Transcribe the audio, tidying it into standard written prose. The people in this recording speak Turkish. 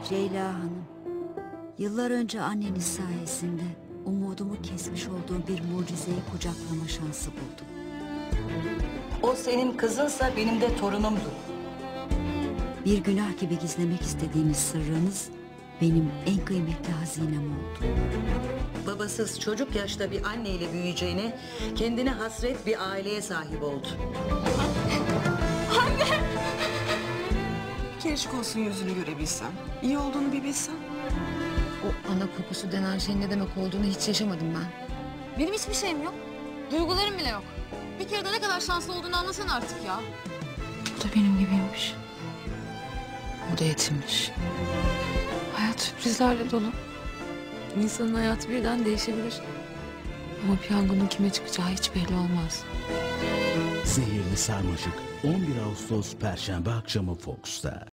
Ceyla Hanım, yıllar önce anneniz sayesinde umudumu kesmiş olduğum bir mucizeyi kucaklama şansı buldum. O senin kızınsa benim de torunumdu. Bir günah gibi gizlemek istediğiniz sırrınız benim en kıymetli hazinem oldu. Babasız çocuk yaşta bir anneyle büyüyeceğine kendine hasret bir aileye sahip oldu. Keşke olsun yüzünü görebilsem. İyi olduğunu bir bilsem. O ana kokusu denen şeyin ne demek olduğunu hiç yaşamadım ben. Benim hiçbir şeyim yok. Duygularım bile yok. Bir kere de ne kadar şanslı olduğunu anlasana artık ya. Bu da benim gibiymiş. O da yetimmiş. Hayat sürprizlerle dolu. İnsanın hayatı birden değişebilir. Ama piyangonun kime çıkacağı hiç belli olmaz. Zehirli Sarmaşık 11 Ağustos Perşembe akşamı Fox'ta.